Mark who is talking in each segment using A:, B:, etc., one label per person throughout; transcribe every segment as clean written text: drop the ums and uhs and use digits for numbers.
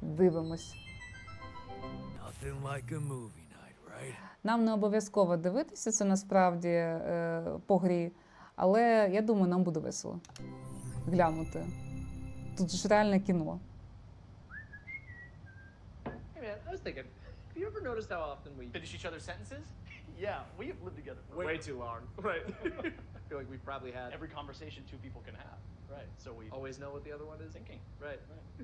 A: дивимось.
B: Nothing like a movie night, right?
A: Нам не обов'язково дивитися це насправді по грі, але я думаю, нам буде весело глянути. Тут ж реальне кіно.
C: Hey man, I was thinking, have you ever noticed how often we
D: Finish each other's sentences? Yeah, we have lived together for
C: way too long? Right. I feel like we've probably had
D: every conversation two people can have. Right. So we
C: always know what the other one is.
D: thinking.
C: Right.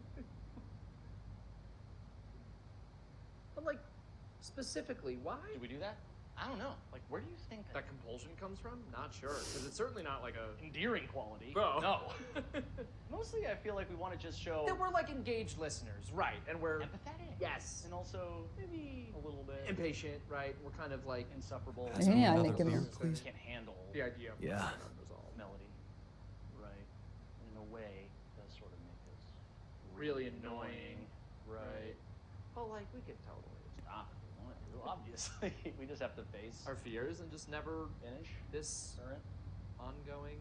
C: But like, specifically, why?
D: Do we do that? I don't know. Like, where do you think
C: That compulsion comes from? Not sure, because it's certainly not like a
D: endearing quality?
C: Oh.
D: No. Mostly, I feel like we want to just show
C: that we're like engaged listeners, right? And we're
D: empathetic.
C: yes,
D: And also maybe a little bit
C: impatient, right? We're kind of like
D: insufferable.
A: Геніальне
B: Another
A: кіно.
B: beer, please.
D: Can't handle
C: the idea of
B: Yeah.
C: unresolved.
D: melody. Right. And in a way, it does sort of make us
C: Really annoying,
D: Right.
C: But like, we could totally
D: Stop if we want to. Obviously, we just have to face
C: our fears and just never
D: finish
C: this
D: current.
C: ongoing.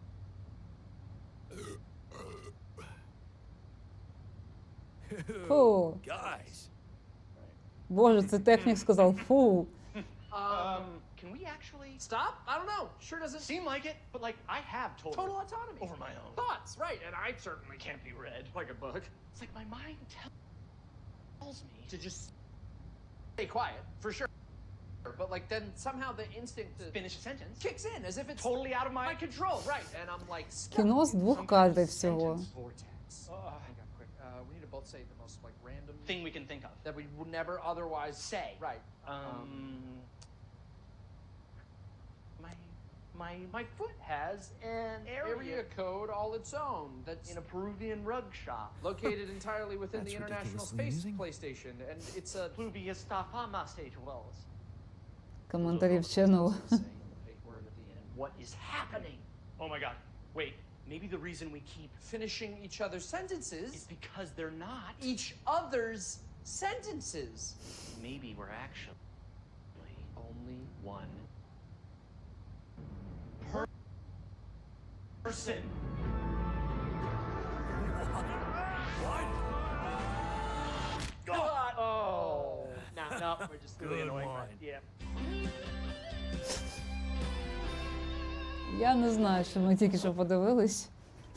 A: Фу.
B: Guys,
A: Боже, це технік сказав фу.
D: Can we actually
C: Stop? I don't know. Sure doesn't
D: seem like it? But like, I have
C: total autonomy
D: over my own
C: thoughts, right? And I certainly
D: Can't be read.
C: like a book
D: It's like my mind tells me
C: to just stay quiet for sure. But like then somehow the instinct to
D: finish a sentence.
C: kicks in as if it's
D: Totally out of
C: my
D: my
C: control, right? And I'm like stuck
A: Кіно з
C: in
A: двох
C: some
A: кадрів всього.
C: sentence vortex. Hang on, quick. We need to both say the most like random
D: Thing we can think of.
C: that we would never otherwise
D: Say.
C: Right.
D: My foot has an
C: Area code all its own. That's
D: in a Peruvian rug shop.
C: located entirely within
B: That's
C: the International
B: ridiculously
C: Space
B: amusing.
C: PlayStation, and it's a
D: Pluvius Stafama Stage Wells.
A: Коментарі вченого.
D: What is happening? Oh my god. Wait, maybe the reason we keep
C: finishing each other's
D: is
C: sentences.
D: because they're not.
C: Each other's sentences.
D: Maybe we're actually only one person.
B: what?
D: God. Oh. No, we're just really
B: Good
D: annoying.
B: one.
D: Yeah.
A: Я не знаю, що ми тільки що подивились.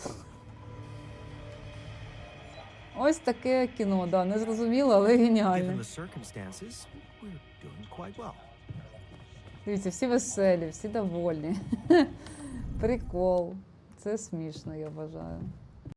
A: Ось таке кіно, да, незрозуміло, але
B: Given
A: геніальне.
B: the circumstances, we're doing quite well.
A: Дивіться, всі веселі, всі довольні. Прикол. Це смішно, я вважаю.